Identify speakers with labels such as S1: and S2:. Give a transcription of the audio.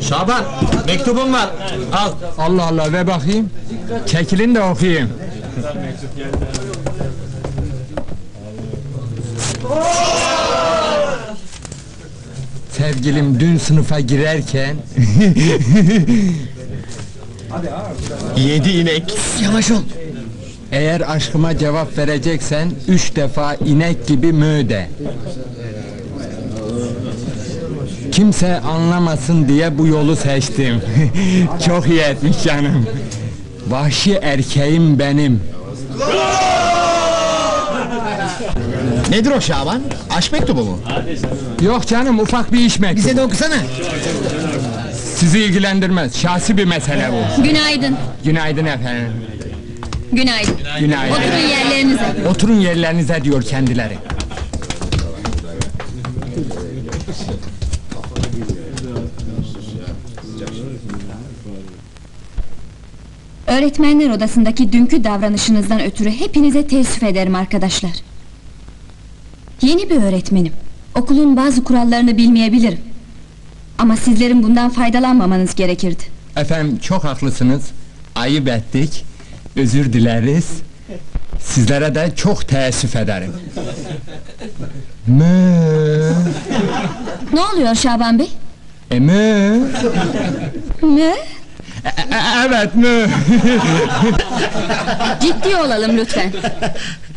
S1: Şaban, mektubum var, al.
S2: Allah Allah, ver bakayım. Çekilin de okuyayım. Sevgilim dün sınıfa girerken...
S1: 7 inek.
S3: Yavaş ol.
S2: Eğer aşkıma cevap vereceksen 3 defa inek gibi mö de. Kimse anlamasın diye bu yolu seçtim. Çok iyi etmiş canım. Vahşi erkeğim benim.
S3: Nedir o Şaban? Aşk mektubu mu?
S2: Yok canım, ufak bir iş mektubu.
S3: Bize de okusana.
S2: Sizi ilgilendirmez, şahsi bir mesele bu.
S4: Günaydın.
S2: Günaydın efendim.
S4: Günaydın.
S2: Günaydın.
S4: Oturun yerlerinize.
S2: Oturun yerlerinize diyor kendileri.
S4: Öğretmenler odasındaki dünkü davranışınızdan ötürü hepinize teessüf ederim arkadaşlar. Yeni bir öğretmenim. Okulun bazı kurallarını bilmeyebilirim. Ama sizlerin bundan faydalanmamanız gerekirdi.
S2: Efendim çok haklısınız. Ayıp ettik. Özür dileriz. Sizlere de çok teessüf ederim. Mö.
S4: Ne oluyor Şaban Bey?
S2: Mö.
S4: Ne?
S2: Evet mö.
S4: Ciddi olalım lütfen.